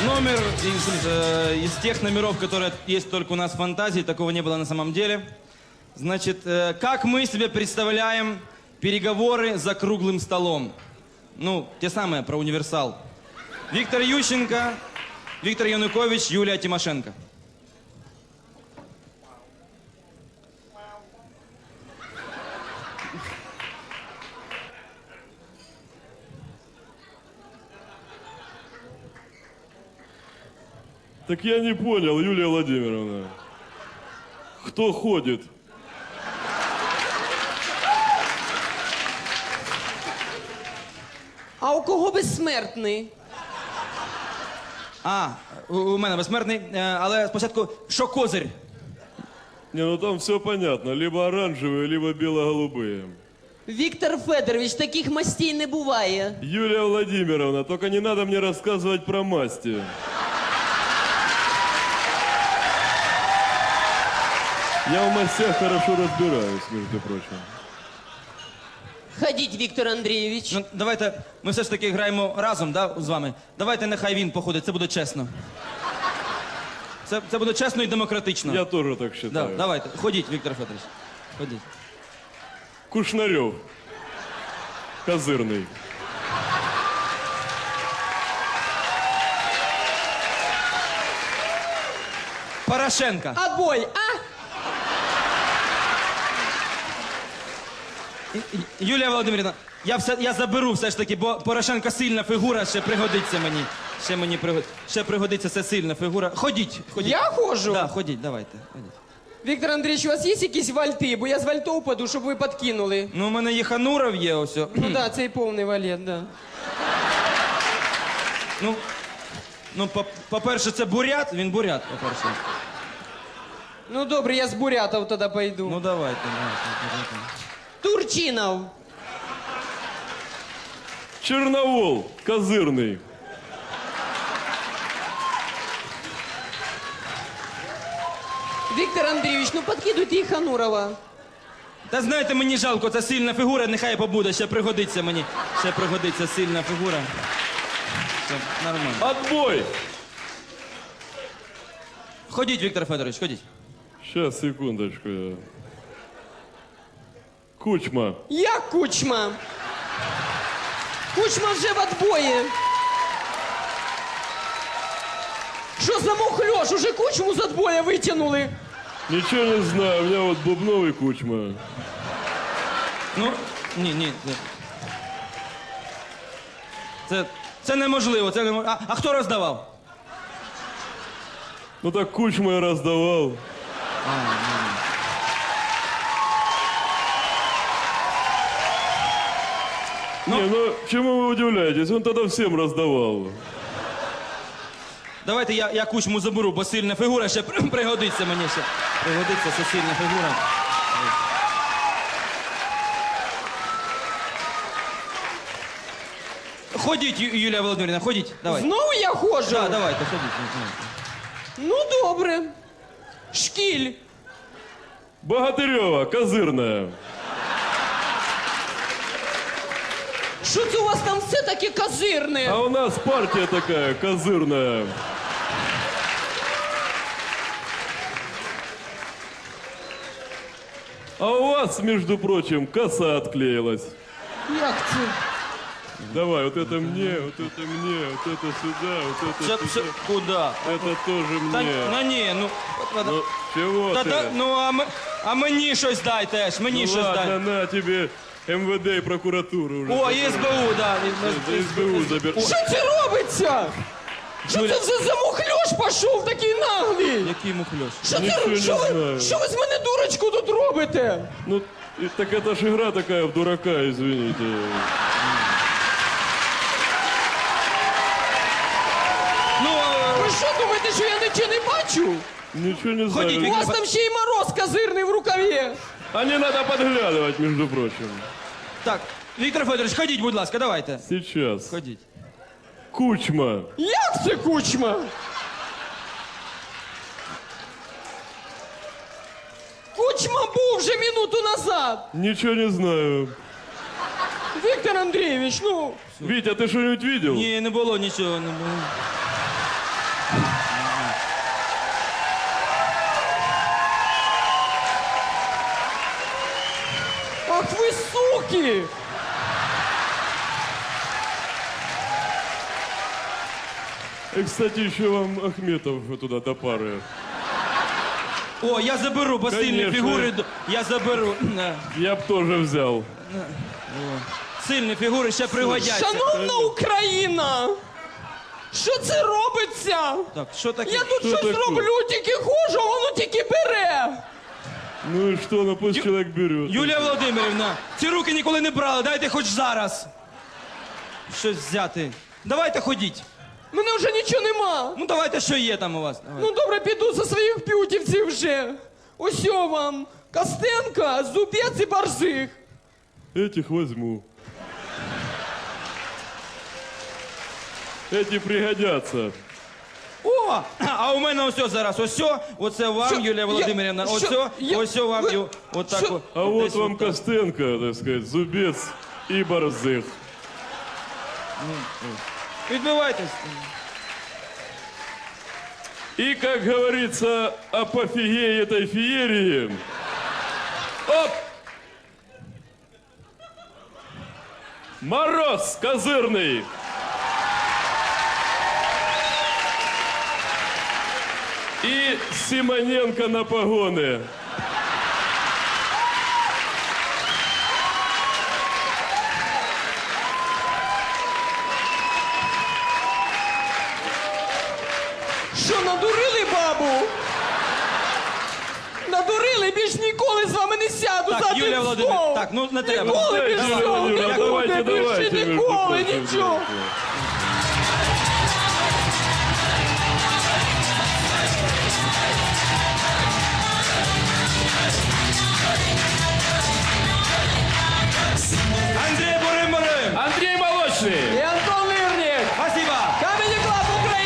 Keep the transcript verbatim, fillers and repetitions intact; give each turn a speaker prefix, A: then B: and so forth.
A: Номер из, э, из тех номеров, которые есть только у нас в фантазии, такого не было на самом деле. Значит, э, как мы себе представляем переговоры за круглым столом? Ну, те самые про универсал. Виктор Ющенко, Виктор Янукович, Юлия Тимошенко.
B: Так я не понял, Юлия Владимировна. Кто ходит?
C: А у кого безсмертний?
A: А, у, у мене безсмертний, е, але спочатку, що козир?
B: Не, ну там все понятно. Либо оранжевые, либо бело-голубые.
C: Віктор Федорович, таких мастей не буває.
B: Юлия Владимировна, только не надо мне рассказывать про масти. Я в мастях хорошо разбираюсь, между прочим.
C: Ходіть, Віктор Андрійович.
A: Ну, давайте, ми все ж таки граємо разом, да, з вами. Давайте нехай він походить, це буде чесно. Це, це буде чесно і демократично.
B: Я тоже так считаю.
A: Да, давайте, ходіть, Віктор Федорович, ходіть.
B: Кушнарев. Козырный.
A: Порошенко.
C: Отбой, а?
A: Юлія Володимирівна, я, все, я заберу все ж таки, бо Порошенко сильна фігура, ще пригодиться мені. Ще мені пригодиться, ще пригодиться, це сильна фігура. Ходіть, ходіть.
C: Я ходжу?
A: Да, ходіть, давайте. Ходіть.
C: Віктор Андрійович, у вас є якісь вальти? Бо я з вальтов упаду, щоб ви підкинули.
A: Ну, у мене є Хануров є, ось.
C: Ну так, да, цей повний валет, да.
A: Ну, ну по- по-перше, це бурят, він бурят, по-перше.
C: Ну добре, я з бурятов тоді пойду.
A: Ну, давайте, давайте, давайте.
C: Турчинов.
B: Черновол. Козырный.
C: Віктор Андрійович, ну підкидуйте і Ханурова.
A: Та знаєте, мені жалко, це сильна фігура, нехай побуде, ще пригодиться мені. Ще пригодиться сильна фігура. Все, нормально.
B: Отбой.
A: Ходіть, Віктор Федорович, ходіть.
B: Сейчас, секундочку. Кучма.
C: Як Кучма? Кучма вже в отбої. Що за мухльош? Уже Кучму з отбоя витягнули.
B: Ничего не знаю, у меня вот Бубновый Кучма.
A: Ну, ні, ні. Це, це, це неможливо, це неможливо. А, а хто роздавав?
B: Ну так Кучма я раздавал.
A: Ну-
B: Не, ну чему вы удивляетесь? Он тогда всем раздавал.
A: Давайте я, я Кучму заберу, бо сильна фігура ще при- пригодиться мені ще. Пригодиться, це сильна фігура. Ходіть, Ю- Юлія Володимирівна, ходіть, давайте.
C: Знову я ходжу?
A: Да, давайте, ходіть. давайте.
C: Ну добре. Шкіль.
B: Богатырева, Козырная.
C: Що це у вас там все таке козирне?
B: А у нас партия такая, Козырная. А у вас, между прочим, коса отклеилась.
C: Як це?
B: Давай, вот это мне, вот это мне, вот это сюда, вот это
A: Все,
B: сюда.
A: все, куда?
B: Это тоже
A: Та,
B: мне.
A: ну ні, ну. от-
B: Ну, чего
A: Та,
B: ты?
A: та, ну, а, м- а мені щось дай теж, мені
B: Ну
A: щось
B: ладно,
A: дай.
B: на тебе эм вэ дэ и прокуратуру уже.
A: О, є ес бе у, да.
B: За эс бэ у забер.
C: Що це робиться? Що
A: Юля-
C: це за, за мухльош пішов такий наглий?
A: Який мухльош?
C: Що,
B: Нічого
C: це,
B: не
C: що, ви,
B: знаю.
C: що ви з мене дурочку тут робите?
B: Ну, и- так это ж игра такая в дурака, извините.
A: Ну, е,
C: Ви що думаєте, що я нічого не бачу?
B: Ничего не
A: Ходите,
C: У
B: знаю.
C: вас там ще й мороз козирний в рукаві.
B: А не надо подглядывать, между прочим.
A: так, Віктор Федорович, ходіть, будь ласка, давайте.
B: Сейчас.
A: Ходіть.
B: Кучма.
C: Як це Кучма? Кучма був вже минуту назад.
B: Ничего не знаю.
C: Віктор Андрійович, ну,
B: Витя, ты что-нибудь видел?
A: Ні, не було нічого, не було.
C: Ах ви суки!
B: И, кстати, еще вам Ахметов туда до пары.
A: О, я заберу, бо сильні
B: Конечно.
A: фігури. д- Я заберу. На.
B: Я б тоже взял.
A: Сильні фігури ще пригодяться.
C: Шановна Україна! Що це робиться?
A: Так, що таке?
C: Я тут
B: Що
C: щось
B: таке?
C: роблю, тільки хожу, а воно тільки бере.
B: Ну и что, ну пусть человек берет.
A: Юлія Володимирівна, ці руки ніколи не брали, дайте хоч зараз. Щось взяти. Давайте ходіть.
C: Мене вже нічого нема.
A: Ну давайте, що є там у вас. Давайте.
C: Ну добре, піду за своїх п'ютівців вже. Ось о вам. Костенко, Зубець і Барзих.
B: Этих возьму. Эти пригодятся.
A: О, а у мене ось зараз, ось, оце вам,
C: Що?
A: Юлія
C: Я-
A: Володимирівна, ось,
C: що? Я-
A: ось вам,
C: ви-
A: і от так.
C: що?
A: от.
B: А
A: От
B: вот
A: десь
B: вам
A: от так.
B: Костенко, так сказать, Зубец и Борзых.
A: Відбивайтесь.
B: И, как говорится, апофигей этой феерии. Оп! Мороз козырный. И Симоненко на погоны.
C: Що, надурили бабу? Надурили, більш ніколи з вами не сяду
A: Так,
C: за один
A: Юлія Володимирівна,
C: стол.
A: так, ну, не треба.
C: Ніколи
B: Дайте,
C: більше,
B: Юлія Володимирівна,
C: ніколи
B: давайте,
C: більше,
B: давайте, между
C: ніколи,
B: прочим,
C: нічого.
B: давайте.